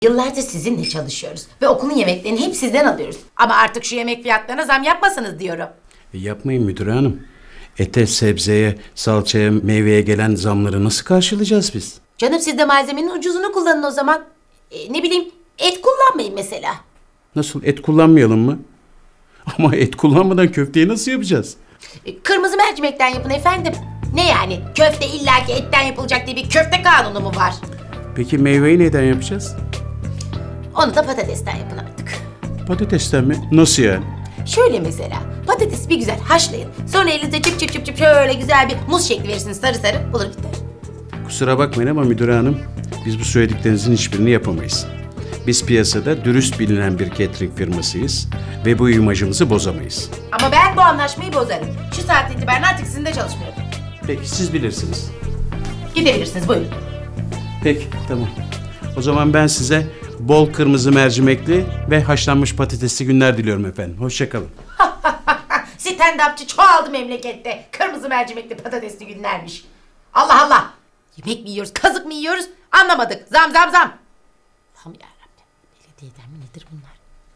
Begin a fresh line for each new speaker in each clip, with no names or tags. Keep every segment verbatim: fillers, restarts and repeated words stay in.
Yıllardır sizinle çalışıyoruz ve okulun yemeklerini hep sizden alıyoruz. Ama artık şu yemek fiyatlarına zam yapmasanız diyorum.
E yapmayın müdür hanım. Ete, sebzeye, salçaya, meyveye gelen zamları nasıl karşılayacağız biz?
Canım siz de malzemenin ucuzunu kullanın o zaman. E, ne bileyim et kullanmayın mesela.
Nasıl, et kullanmayalım mı? Ama et kullanmadan köfteyi nasıl yapacağız?
E, kırmızı mercimekten yapın efendim. Ne yani köfte illaki etten yapılacak diye bir köfte kanunu mu var?
Peki meyveyi neden yapacağız?
Onu da patatesten yapın artık.
Patatesten mi? Nasıl yani?
Şöyle mesela patatesi bir güzel haşlayın. Sonra elinizde çıp çıp çıp çıp şöyle güzel bir muz şekli verirsiniz sarı sarı olur biter.
Kusura bakmayın ama müdür hanım, biz bu söylediklerinizin hiçbirini yapamayız. Biz piyasada dürüst bilinen bir catering firmasıyız ve bu imajımızı bozamayız.
Ama ben bu anlaşmayı bozarım. Şu saatten itibaren artık sizinle çalışmıyorum.
Peki siz bilirsiniz.
Gidebilirsiniz buyurun.
Peki tamam. O zaman ben size bol kırmızı mercimekli ve haşlanmış patatesli günler diliyorum efendim. Hoşça kalın.
Stand-upçı çoğaldı memlekette. Kırmızı mercimekli patatesli günlermiş. Allah Allah. Yemek mi yiyoruz, kazık mı yiyoruz anlamadık. Zam zam zam. Allah'ım yarabbim. Belediyeden mi nedir bunlar?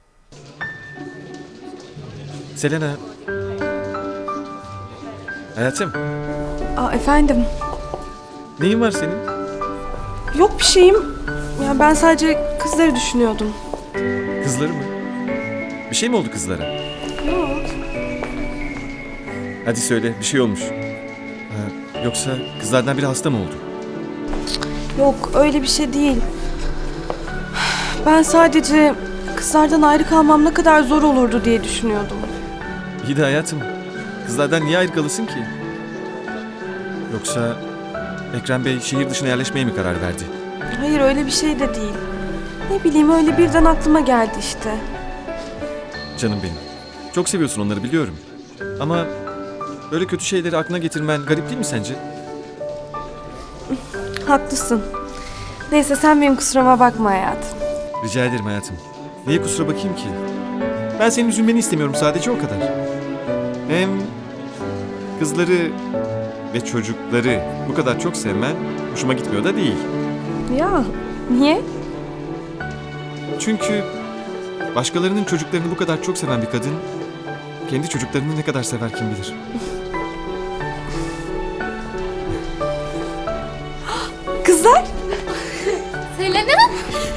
Selena. Hayatım,
Aa, efendim.
neyin var senin?
Yok bir şeyim. Ya ben sadece kızları düşünüyordum.
Kızları mı? Bir şey mi oldu kızlara?
Yok.
Hadi söyle, bir şey olmuş. Ha, yoksa kızlardan biri hasta mı oldu?
Yok öyle bir şey değil. Ben sadece kızlardan ayrı kalmam ne kadar zor olurdu diye düşünüyordum.
İyi de hayatım, kızlardan niye ayrı kalasın ki? Yoksa Ekrem Bey şehir dışına yerleşmeye mi karar verdi?
Hayır öyle bir şey de değil. Ne bileyim öyle birden aklıma geldi işte.
Canım benim. Çok seviyorsun onları biliyorum. Ama böyle kötü şeyleri aklına getirmen garip değil mi sence?
Haklısın. Neyse sen benim kusuruma bakma hayatım.
Rica ederim hayatım. Niye kusura bakayım ki? Ben senin üzülmeni istemiyorum sadece o kadar. Hem kızları ve çocukları bu kadar çok sevmen hoşuma gitmiyor da değil.
Ya niye?
Çünkü başkalarının çocuklarını bu kadar çok seven bir kadın kendi çocuklarını ne kadar sever kim bilir.
Kızlar.
Selena?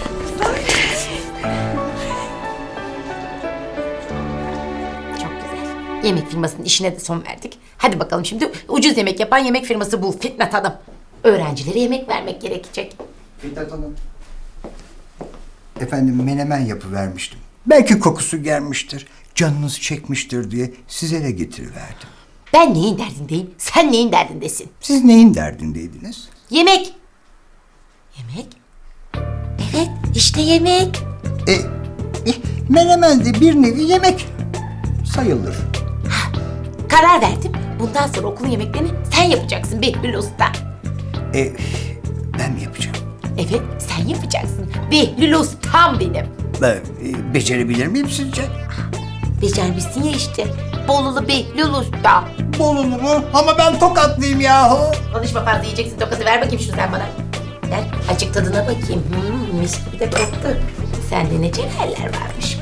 Çok güzel. Yemek firmasının işine de son verdik. Hadi bakalım şimdi ucuz yemek yapan yemek firması bul Fitnat Hanım. Öğrencilere yemek vermek gerekecek.
Fitnat Hanım. Efendim menemen yapıvermiştim. Belki kokusu gelmiştir, canınız çekmiştir diye size de getiriverdim.
Ben neyin derdindeyim? Sen neyin derdindesin?
Siz neyin derdindeydiniz?
Yemek. Yemek? Evet, işte yemek.
E, e, menemen de bir nevi yemek sayılır.
Karar verdim. Bundan sonra okulun yemeklerini sen yapacaksın Behlül Usta.
E, ben mi yapacağım?
Evet, sen yapacaksın. Behlül Ustam benim.
Ben e, becerebilir miyim sizce?
Becermişsin ya işte. Bolulu Behlül Usta.
Bolulu mu? Ama ben Tokatlıyım yahu.
Konuşma fazla yiyeceksin tokatı. Ver bakayım şunu sen bana. Ver, acık tadına bakayım. Hmm, mis gibi de koktu. Sende ne cevherler varmış.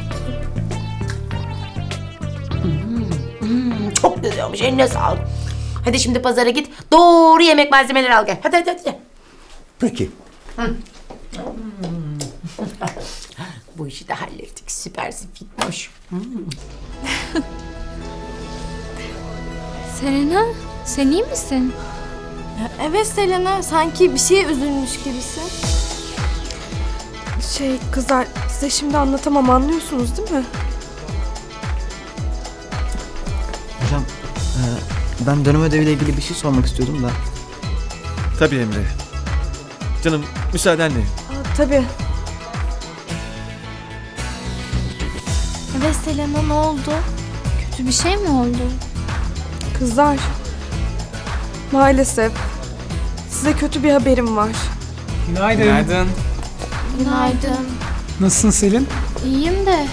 Hmm, hmm, çok güzel olmuş. Eline sağlık. Hadi şimdi pazara git. Doğru yemek malzemeleri al gel. Hadi hadi hadi.
Peki.
Bu işi de hallettik. Süpersin Fitnoş. Hmm.
Selena, sen iyi misin?
Evet Selena, sanki bir şeye üzülmüş gibisin.
Şey kızlar size şimdi anlatamam anlıyorsunuz değil mi?
Hocam, e, ben dönem ödeviyle ilgili bir şey sormak istiyordum da.
Tabii Emre. Canım müsaadenle.
Aa, tabii.
Evet Selena, ne oldu? Kötü bir şey mi oldu?
Kızlar. Maalesef. Size kötü bir haberim var.
Günaydın.
Günaydın.
Nasılsın Selin?
İyiyim de.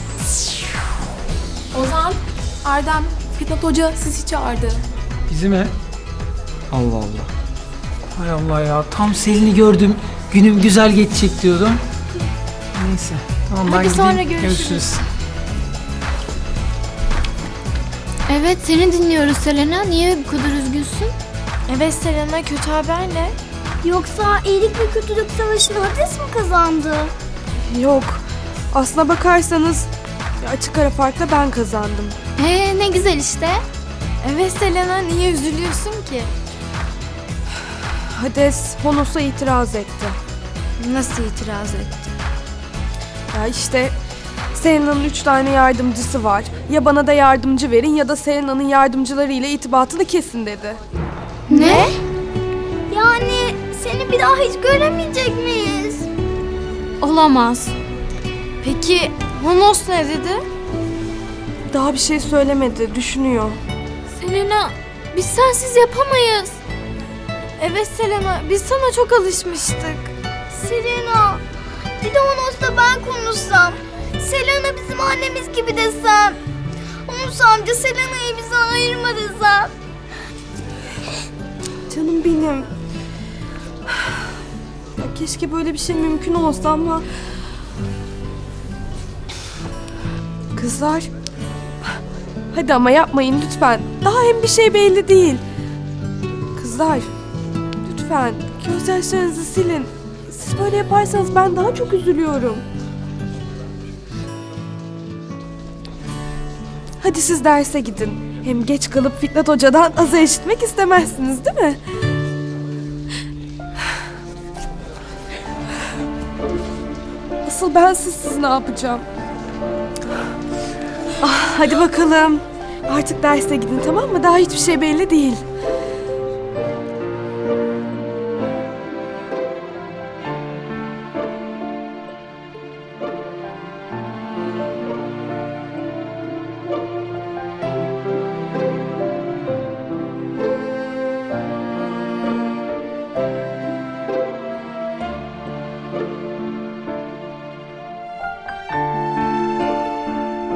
Ozan, Erdem, Fitnat Hoca sizi çağırdı.
Bizi mi?
Allah Allah.
Hay Allah ya. Tam Selin'i gördüm. Günüm güzel geçecek diyordum. Neyse. Tamam ben
Hadi
gideyim.
sonra görüşürüz.
Evet seni dinliyoruz Selena. Niye bu kadar üzgünsün?
Evet Selena, kötü haber ne?
Yoksa iyilik ve kötülük savaşını Hades mi kazandı?
Yok. Aslına bakarsanız açık ara farkla ben kazandım.
Ee ne güzel işte.
Evet Selena, niye üzülüyorsun ki?
Hades Honos'a itiraz etti.
Nasıl itiraz etti?
Ya işte Selena'nın üç tane yardımcısı var. Ya bana da yardımcı verin ya da Selena'nın yardımcılarıyla irtibatını kesin dedi.
Ne?
Yani seni bir daha hiç göremeyecek miyiz?
Olamaz.
Peki Honos ne dedi?
Daha bir şey söylemedi, düşünüyor.
Selena biz sensiz yapamayız.
Evet Selena, biz sana çok alışmıştık.
Selena, bir de Honos'la ben konuşsam. Selena bizim annemiz gibi desem. Honos amca Selena'yı bize ayırma desem.
Canım benim. Ya keşke böyle bir şey mümkün olsa ama... Kızlar... Hadi ama yapmayın lütfen. Daha hem bir şey belli değil. Kızlar... Lütfen gözyaşlarınızı silin. Siz böyle yaparsanız ben daha çok üzülüyorum. Hadi siz derse gidin. Hem geç kalıp Fitnat Hoca'dan azar işitmek istemezsiniz değil mi? Asıl ben sizsiz ne yapacağım? Ah, hadi bakalım. Artık derse gidin tamam mı? Daha hiçbir şey belli değil.